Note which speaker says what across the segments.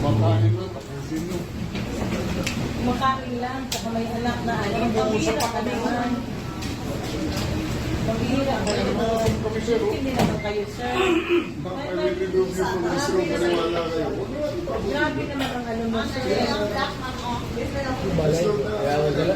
Speaker 1: Kumakain lang, tapusin nyo.
Speaker 2: Kumakain lang, saka may anak na ano. Pambihira ka naman. Pambihira ka naman. Hindi naman kayo, sir.
Speaker 1: I will remove you from this room. Paniwala kayo.
Speaker 2: Grabe naman ang ano mo, sir.
Speaker 3: Balay, kaya madala.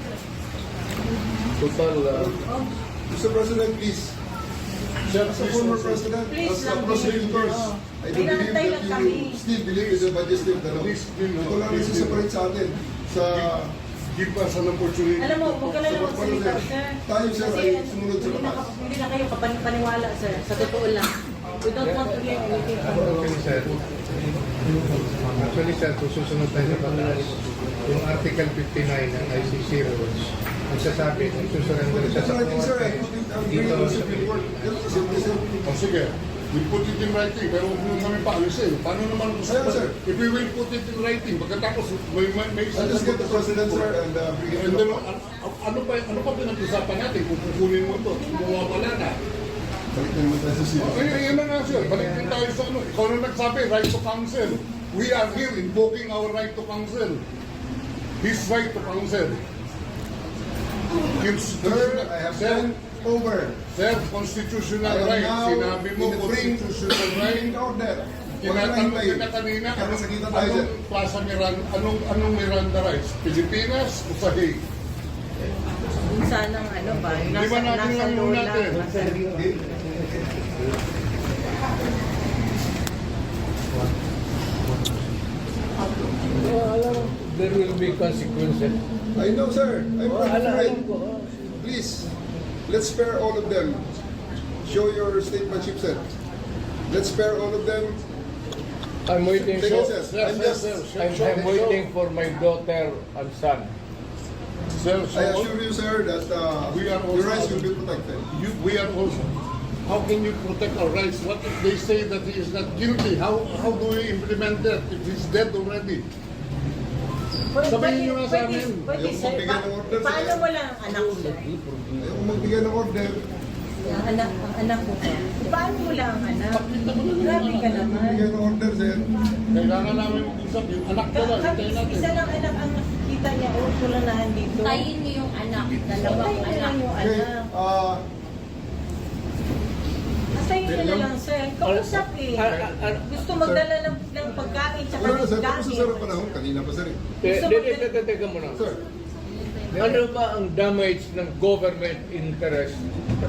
Speaker 3: Total,
Speaker 1: Mr. President, please. As a former president,
Speaker 2: Please
Speaker 1: as a
Speaker 2: lang,
Speaker 1: prosecutor,
Speaker 2: please.
Speaker 1: I do believe
Speaker 2: Pinantay lang
Speaker 1: that
Speaker 2: kami.
Speaker 1: you still believe in the majesty of the law. Ito lang rin separate sa atin. Sa give us an opportunity.
Speaker 2: Alam mo, huwag ka lang magsalita, sir.
Speaker 1: Tayo, sir,
Speaker 2: Kasi
Speaker 1: ay sumunod sa batas.
Speaker 2: hindi na kayo kapaniwala, sir. Sa totoo lang. We don't want to hear anything from you.
Speaker 3: Actually, sir, kung susunod tayo sa batas, yung Article 59 ng ICC rules, nagsasabi, nagsusurrender siya sa
Speaker 1: Writing, sir, I
Speaker 3: korte.
Speaker 1: put it, I'm bringing the civil work. Ganun kasi, sir.
Speaker 4: O sige, we put it in writing, pero huwag nyo kami paalisin. Paano naman kung
Speaker 1: Ayan, sir.
Speaker 4: if we will put it in writing, pagkatapos may
Speaker 1: I'll just get the president, sir, and bring it to
Speaker 4: And
Speaker 1: the
Speaker 4: then,
Speaker 1: court.
Speaker 4: ano pa pinag-usapan natin kung kukunin mo ito? Mawawala na.
Speaker 1: Balik na naman tayo sa civil.
Speaker 4: Yun na nga sir, balik din tayo sa ano. Ikaw na nagsabi, right to counsel. We are here invoking our right to counsel. His right to counsel.
Speaker 1: Sir, I have sent over.
Speaker 4: Sir, constitutional
Speaker 1: I am
Speaker 4: right.
Speaker 1: now
Speaker 4: Sinabi mo,
Speaker 1: in the bring
Speaker 4: constitutional right.
Speaker 1: order.
Speaker 4: Tinatanong kita kanina,
Speaker 1: Kaya masakita tayo, sir.
Speaker 4: anong Plaza Miranda, anong Miranda rights? Pilipinas o sa Hague?
Speaker 2: Sana ng ano ba?
Speaker 4: Di ba natin
Speaker 2: Nasa
Speaker 4: lang muna
Speaker 2: lola.
Speaker 4: natin?
Speaker 2: Nasa
Speaker 3: Alam, there will be consequences.
Speaker 1: I know, sir. I'm not afraid.
Speaker 3: Alam ko.
Speaker 1: Please, let's spare all of them. Show your statementship, sir. Let's spare all of them.
Speaker 3: I'm waiting
Speaker 1: Take
Speaker 3: for,
Speaker 1: it, sir. I'm just,
Speaker 3: I'm waiting for my daughter and son.
Speaker 4: Sir,
Speaker 1: I assure you, sir, that
Speaker 4: We are
Speaker 1: your
Speaker 4: also-
Speaker 1: rights will be protected.
Speaker 4: we are also. How can you protect our rights? What if they say that he is not guilty? How do we implement that if he's dead already? Sabihin niyo nga sa amin.
Speaker 2: Pwede,
Speaker 1: Ayaw
Speaker 2: sir.
Speaker 1: magbigay ng order, sir.
Speaker 2: Paano mo lang ang anak mo?
Speaker 1: Ayaw magbigay ng order.
Speaker 2: Ang anak mo. Paano mo lang ang anak? Grabe ka naman.
Speaker 1: Magbigay ng order, sir.
Speaker 4: Kailangan namin mag-usap. Yung anak ko lang, hintayin natin.
Speaker 2: Isa lang anak ang nakikita niya. O, tulanahan dito.
Speaker 5: Tayin niyo yung anak, dalawang
Speaker 2: Tayin mo
Speaker 5: anak.
Speaker 2: lang yung
Speaker 1: Okay,
Speaker 2: anak. Tayin mo na lang, sir. Kausap eh. Gusto magdala ng pagkain tsaka
Speaker 1: Wala na, sir.
Speaker 2: ng
Speaker 1: Tapos sa
Speaker 2: gamit.
Speaker 1: sir ang panahon. Kanina pa, sir.
Speaker 3: Teka muna.
Speaker 1: Sir,
Speaker 3: Ano ba ang damage ng government interest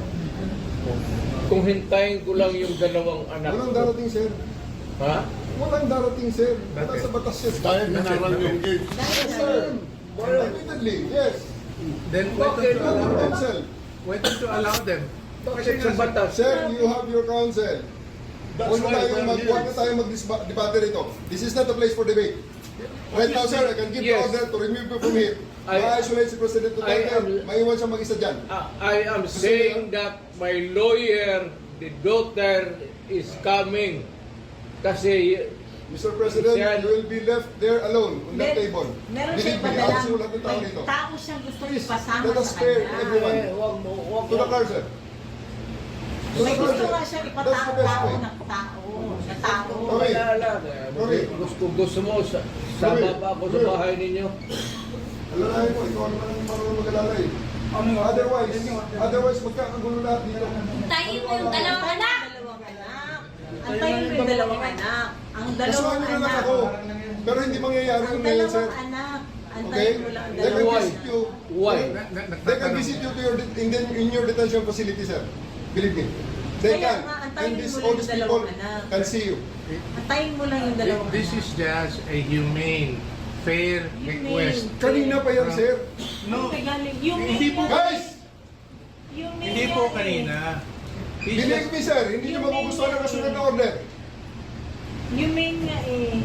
Speaker 3: kung hintayin ko lang yung dalawang anak
Speaker 1: walang
Speaker 3: ko?
Speaker 1: darating, sir.
Speaker 3: Ha?
Speaker 1: Walang darating, sir. Wala sa batas, sir.
Speaker 4: Dahil minaral yung gate.
Speaker 1: Yes, sir. Admittedly, yes.
Speaker 6: Then
Speaker 3: Bakit?
Speaker 1: Counsel.
Speaker 6: why don't you allow them?
Speaker 3: Bakit sa batas?
Speaker 1: Sir, you have your counsel.
Speaker 4: That's
Speaker 1: Huwag
Speaker 4: why
Speaker 1: na
Speaker 4: we're
Speaker 1: tayo
Speaker 4: here.
Speaker 1: mag-debate rito. This is not the place for debate. Right now, sir, I can give the
Speaker 3: Yes.
Speaker 1: order to remove you from here. Ma-isolate si President Duterte. Maiwan siya mag-isa dyan.
Speaker 3: I am saying that my lawyer, the daughter, is coming. Kasi
Speaker 1: Mr. President,
Speaker 3: Sir.
Speaker 1: you will be left there alone on that table.
Speaker 2: Meron
Speaker 1: Believe
Speaker 2: siyang
Speaker 1: me,
Speaker 2: padalang,
Speaker 1: ako lahat ng tao
Speaker 2: may
Speaker 1: dito.
Speaker 2: tao siyang gusto
Speaker 1: Please,
Speaker 2: ipasama
Speaker 1: let us
Speaker 2: sa
Speaker 1: spare
Speaker 2: kanya.
Speaker 1: everyone.
Speaker 3: wag mo.
Speaker 1: To the car, sir. To
Speaker 2: May
Speaker 1: the car,
Speaker 2: gusto
Speaker 1: sir.
Speaker 2: nga siyang
Speaker 1: That's the best
Speaker 2: ipatao
Speaker 1: way.
Speaker 2: ng tao. Na tao.
Speaker 1: Okay.
Speaker 3: Wala lang.
Speaker 1: Okay.
Speaker 3: Gusto mo, sama pa ako sa bahay ninyo.
Speaker 1: Alalahin mo, ikaw naman ang marunong mag-alala eh. Otherwise, magkakagulo lahat dito.
Speaker 5: Tayin mo yung dalawang anak.
Speaker 2: Dalawang anak. Antayin mo yung dalawang anak. Ang dalawang
Speaker 1: Kasuhan nyo na lang
Speaker 2: anak.
Speaker 1: ako. Pero hindi mangyayari
Speaker 2: Ang
Speaker 1: yun ngayon, sir.
Speaker 2: dalawang anak.
Speaker 1: Okay?
Speaker 2: Antayin mo lang ang
Speaker 1: They can
Speaker 2: dalawang
Speaker 3: Why?
Speaker 1: visit you.
Speaker 3: Why?
Speaker 1: They can visit you to your in your detention facility, sir. Believe me. They
Speaker 2: Kaya
Speaker 1: can.
Speaker 2: nga,
Speaker 1: And
Speaker 2: antayin
Speaker 1: this,
Speaker 2: mo
Speaker 1: all
Speaker 2: lang
Speaker 1: these
Speaker 2: yung
Speaker 1: people
Speaker 2: dalawang anak.
Speaker 1: can see you.
Speaker 2: Antayin mo lang yung dalawang
Speaker 6: This is just a humane, fair request.
Speaker 1: Kanina pa yan, sir.
Speaker 6: No,
Speaker 2: Yung
Speaker 6: Hindi po.
Speaker 1: Guys!
Speaker 6: hindi po kanina. He's
Speaker 1: Believe
Speaker 6: just-
Speaker 1: me, sir. Hindi nyo magugustuhan ang kasunod na order.
Speaker 2: Yung main nga eh.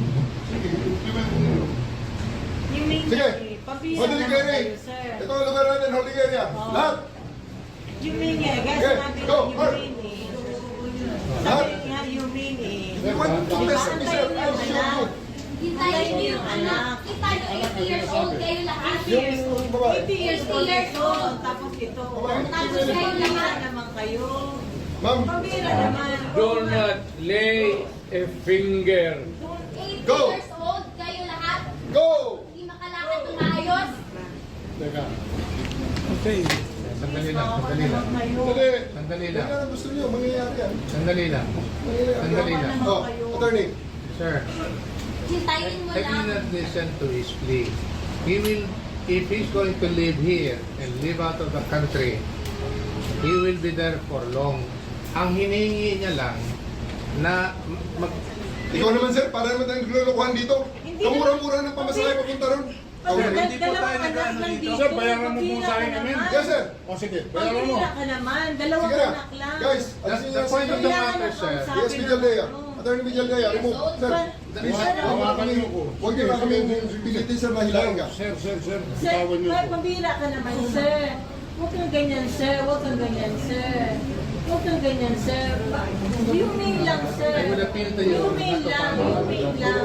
Speaker 2: Yung main
Speaker 1: Sige.
Speaker 2: nga eh. Pabira
Speaker 1: Holding
Speaker 2: naman
Speaker 1: area.
Speaker 2: kayo, sir.
Speaker 1: Ito ang lugar natin, holding area.
Speaker 2: Oo.
Speaker 1: Lahat.
Speaker 2: Yung main nga eh. Guys,
Speaker 1: Okay,
Speaker 2: sabi
Speaker 1: go,
Speaker 2: yung
Speaker 1: Mark.
Speaker 2: main eh.
Speaker 1: Lahat.
Speaker 2: Sabi nga yung main eh.
Speaker 1: They want to test me, sir.
Speaker 2: Antayin mo
Speaker 1: I'll
Speaker 2: yung
Speaker 1: show you.
Speaker 2: anak.
Speaker 5: Hintayin niyo yung anak. Kita niyo, 80 years old kayo lahat.
Speaker 1: Yung babae.
Speaker 2: 80 years old ito. Tapos ito.
Speaker 1: Babae.
Speaker 2: Tapos pabira naman kayo.
Speaker 1: Ma'am,
Speaker 2: Pabira naman.
Speaker 3: Do not lay a finger.
Speaker 5: 80
Speaker 1: Go.
Speaker 5: years old.
Speaker 1: Go!
Speaker 5: Hindi makalakad ng maayos.
Speaker 4: Teka.
Speaker 3: Sandali lang, sandali lang.
Speaker 4: Dali.
Speaker 3: Sandali
Speaker 1: Yan
Speaker 3: lang.
Speaker 1: ang gusto niyo, mangyayari yan.
Speaker 3: Sandali lang. Sandali lang.
Speaker 1: Oh, attorney.
Speaker 3: Sir,
Speaker 5: Hintayin mo
Speaker 3: I will
Speaker 5: lang.
Speaker 3: not listen to his plea. He will, if he's going to live here and live out of the country, he will be there for long. Ang hinihingi niya lang na
Speaker 1: Ikaw naman sir, para naman tayong naglulukuhan dito.
Speaker 2: Hindi
Speaker 1: Kamura-mura ng pamasahe papunta ron.
Speaker 6: Hindi po tayo nag-ano dito.
Speaker 4: Sir, bayaran mo po sa akin namin.
Speaker 1: Yes sir.
Speaker 4: O sige, bayaran mo.
Speaker 2: Pagkira ka naman, dalawang
Speaker 1: Sige na.
Speaker 2: anak lang.
Speaker 1: Guys,
Speaker 3: the,
Speaker 1: alisin niyo
Speaker 3: the point of the matter, sir.
Speaker 1: Yes, Villaldea. Attorney Villaldea, remove. Sir, please,
Speaker 4: Hawakan niyo ko.
Speaker 1: huwag niyo na kami pilitin sir na hilahin ka.
Speaker 4: Sir,
Speaker 2: Sir,
Speaker 4: bitawan niyo ko.
Speaker 2: pambira ka naman, sir. Huwag kang ganyan, sir. Huwag kang ganyan, sir. Huwag kang ganyan, sir. Humane lang, sir.
Speaker 3: I will appeal to you
Speaker 2: Humane
Speaker 3: not to
Speaker 2: lang.
Speaker 3: follow.
Speaker 2: Humane lang.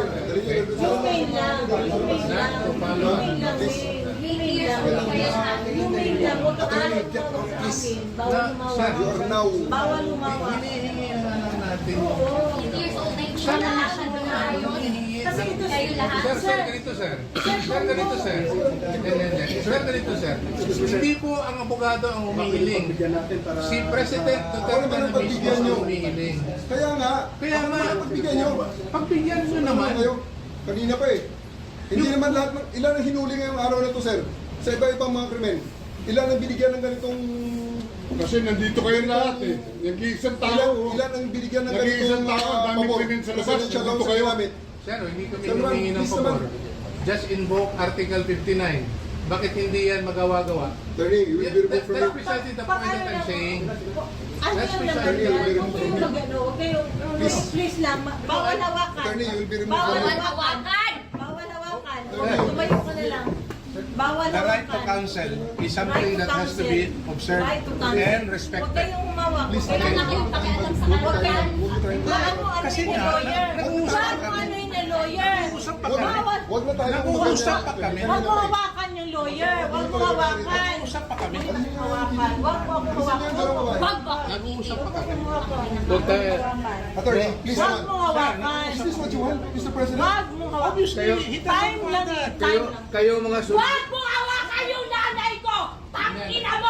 Speaker 2: Humane lang. Humane lang. Humane lang, eh.
Speaker 5: 8 years old kayo na.
Speaker 2: Humane lang. Huwag kang alam mo sa akin. Bawal
Speaker 3: Sir,
Speaker 1: You are now.
Speaker 2: Bawal lumawa.
Speaker 3: Hinihingi na lang natin.
Speaker 5: 8 years old na hindi makalakad ng maayos.
Speaker 2: Kasi ito,
Speaker 5: Kayo lahat.
Speaker 3: Sir, ganito sir. Sir, ganito sir. Hindi. Sir, ganito sir. Hindi po ang abogado ang humihiling. Si President
Speaker 1: Ako naman
Speaker 3: Duterte
Speaker 1: ang
Speaker 3: na
Speaker 1: pagbigyan
Speaker 3: mismo
Speaker 1: niyo.
Speaker 3: ang humihiling.
Speaker 1: Kaya nga,
Speaker 3: Kaya nga,
Speaker 1: pagbigyan niyo.
Speaker 3: pagbigyan nyo naman.
Speaker 1: Kayo, kanina pa eh. Hindi naman lahat, ilan ang hinuli ngayong araw na to sir? Sa iba-ibang mga krimen. Ilan ang binigyan ng ganitong...
Speaker 4: Kasi nandito kayo lahat eh. Nag-iisang tao.
Speaker 1: Ilan ang binigyan ng
Speaker 4: Nag-iisang
Speaker 1: ganitong
Speaker 4: tao, ang daming
Speaker 1: pabor?
Speaker 4: krimen sa labas.
Speaker 1: Presidential
Speaker 4: Nandito
Speaker 1: law sa
Speaker 4: kayo.
Speaker 1: ginamit.
Speaker 3: Sir, hindi kami
Speaker 1: Sir, ma'am,
Speaker 3: humingi ng
Speaker 1: please
Speaker 3: pabor.
Speaker 1: naman.
Speaker 3: Just invoke Article 59. Bakit hindi yan magawa-gawa?
Speaker 1: Attorney, you will be removed from
Speaker 3: That's
Speaker 1: your...
Speaker 3: precisely the point that I'm saying.
Speaker 2: Ano
Speaker 3: That's
Speaker 2: yung
Speaker 3: precisely
Speaker 2: naman
Speaker 1: the
Speaker 2: yan?
Speaker 1: point.
Speaker 2: Huwag kayong mag-ano. Huwag kayong... Please lang. Bawal hawakan.
Speaker 1: Attorney, you will be removed
Speaker 2: Bawal
Speaker 1: from your...
Speaker 2: hawakan. Bawal hawakan. Tumayo ka na lang. Bawal
Speaker 6: The right to
Speaker 2: hawakan.
Speaker 6: counsel is something
Speaker 2: Right to
Speaker 6: that has to be
Speaker 2: counsel.
Speaker 6: observed
Speaker 2: Right to counsel.
Speaker 6: and
Speaker 2: Huwag
Speaker 6: respected.
Speaker 2: kayong umawak.
Speaker 1: Please,
Speaker 5: Wala na kayong pakialam sa
Speaker 1: Huwag
Speaker 5: kalokan.
Speaker 1: tayo-
Speaker 6: Kasi
Speaker 2: Ano
Speaker 6: nga,
Speaker 2: lawyer?
Speaker 6: nag-uusap
Speaker 2: Wag mo ano yung lawyer?
Speaker 6: Nag-uusap pa
Speaker 1: Huwag-
Speaker 6: kami.
Speaker 1: Huwag na tayo
Speaker 6: Nag-uusap pa kami.
Speaker 2: Huwag mo hawakan yung lawyer. Huwag mo hawakan.
Speaker 6: Nag-uusap pa kami.
Speaker 2: Hawakan. Huwag mo ako hawakan.
Speaker 5: Wag ba?
Speaker 3: Nag-uusap pa kami.
Speaker 2: Huwag tayo.
Speaker 1: Attorney, please
Speaker 2: Huwag
Speaker 1: naman.
Speaker 2: mo hawakan.
Speaker 1: Is this what you want, Mr. President?
Speaker 2: Huwag mo hawakan.
Speaker 6: Obviously, he doesn't
Speaker 2: Time
Speaker 6: want
Speaker 2: lang eh.
Speaker 6: that.
Speaker 2: Time lang.
Speaker 3: Kayo mga
Speaker 5: Wag mo hawakan yung nanay ko! Tangina mo!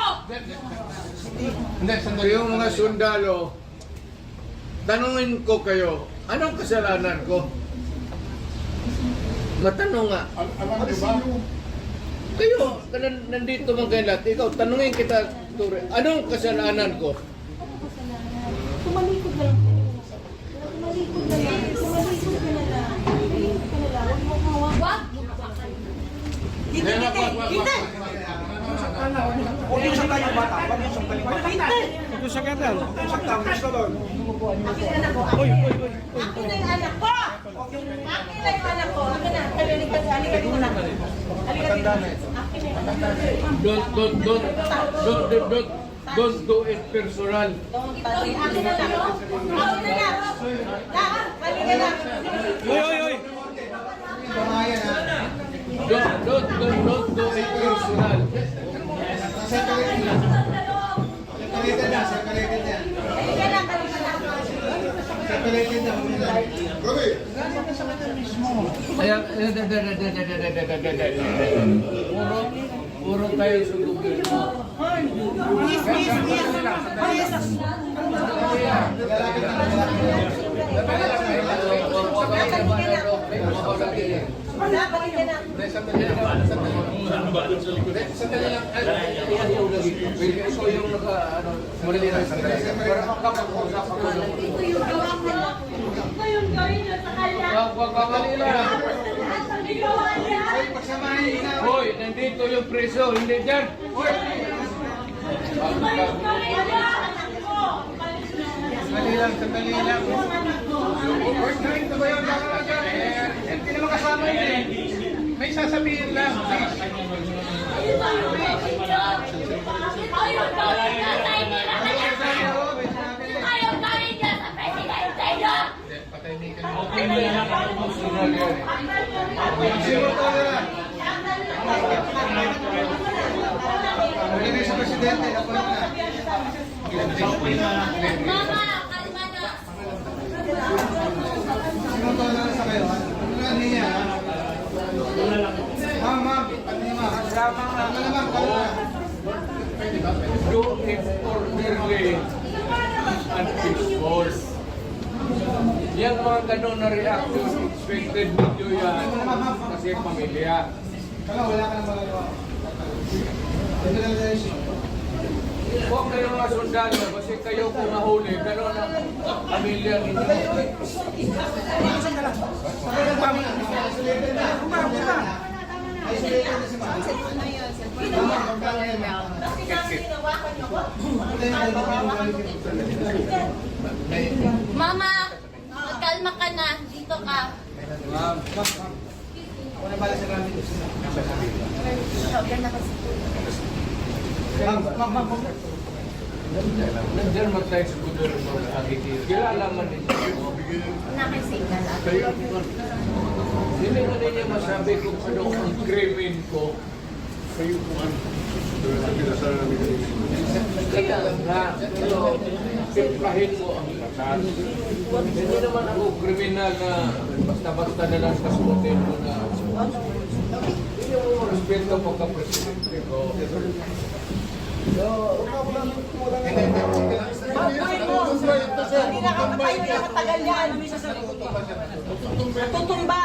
Speaker 3: Hindi, sandali.
Speaker 7: Yung mga sundalo, tanungin ko kayo, anong kasalanan ko? Matanong nga.
Speaker 4: Alam niyo ba?
Speaker 1: Alisin niyo.
Speaker 7: Kayo, nandito man kayo lahat. Ikaw, tanungin kita, Ture, anong kasalanan ko?
Speaker 2: Tumalikod na lang. Tumalikod na lang. Tumalikod ka na lang. Tumalikod ka na lang. Huwag mo hawakan.
Speaker 5: Wag mo hawakan.
Speaker 2: Dito, dito. Dito.
Speaker 8: Huwag yung saktan yung bata. Huwag yung saktan yung bata. Huwag yung saktan. Huwag yung saktan. Gusto doon.
Speaker 2: Akin na anak ko. Akin na yung anak ko. Akin na yung anak ko. Akin na. Halika dito na. Halika dito. Akin na yung anak ko.
Speaker 7: Don't do it personal.
Speaker 2: Akin na lang. Akin na lang. Halika na.
Speaker 8: Uy, uy, uy.
Speaker 7: Don't do it personal.
Speaker 2: Halika na. Halika na.
Speaker 1: Grabe.
Speaker 7: Kaya, puro tayo sundugin.
Speaker 2: Halika na.
Speaker 3: Sandali lang. Ikaw yung muli lang. Sandali.
Speaker 2: Ito yung gawa ko. Ito yung gawin nyo sa kanya.
Speaker 7: Wag kamalila.
Speaker 2: Ang ginawa niya.
Speaker 7: Hoy, nandito yung preso, hindi dyan. Hoy!
Speaker 2: Ito yung gawin niya. Anak ko.
Speaker 3: Sandali lang.
Speaker 2: Anak ko.
Speaker 3: We're trying to bayan lang natin. Hindi naman kasama yun eh. May sasabihin lang.
Speaker 5: Ito yung gawin niyo! Ito yung gawin niyo sa inila kaya kayo! Ito yung gawin niyo sa presidente niyo!
Speaker 3: Patahimikan mo. Hindi sa presidente.
Speaker 5: Mama, kalma na!
Speaker 3: Sinuto na sa kayo. Ano niya?
Speaker 7: tama nga. Do it orderly and peaceful. Yan mga ganun na reaction, expected video yan kasi pamilya. Huwag kayo mga sundalo kasi kayo kung nahuli, ganun ang pamilya ninyo.
Speaker 5: Mama, magkalma ka na. Dito ka.
Speaker 7: Nandiyan matay sa gudol mo na agiti. Kilala man ninyo.
Speaker 5: Nakisignal ako.
Speaker 7: Hindi mo ninyo masabi kung ano ang krimen ko. Kaya nga, pero simplahin mo ang batas. Hindi naman ako kriminal na basta-basta na lang kasuotin mo na. Hindi mo respeto pagka-presidente ko.
Speaker 2: Bagoy mo! Hindi na kapatay na nakatagal yan. Natutumba!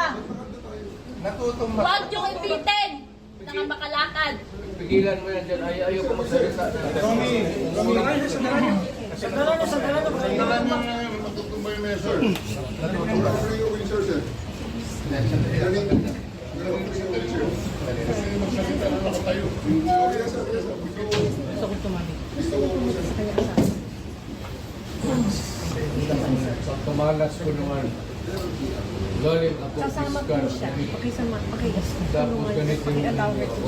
Speaker 5: Huwag niyong ipitin. Nakapakalakad.
Speaker 7: Pigilan mo yan dyan. Ayaw ko magsalita na.
Speaker 4: Sandalan nyo nga yung matutumbay na sir.
Speaker 1: Free of insertion.
Speaker 4: Kasi magsalita na ako tayo.
Speaker 7: Tumalas ko naman. Galing ako fiskal. Tapos ganito yung ako.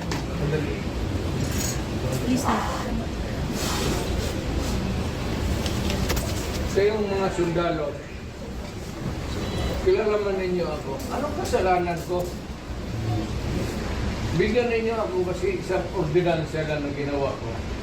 Speaker 7: Kayong mga sundalo, kilala man ninyo ako. Anong kasalanan ko? Bigyan ninyo ako kasi isang ordinansya lang na ginawa ko.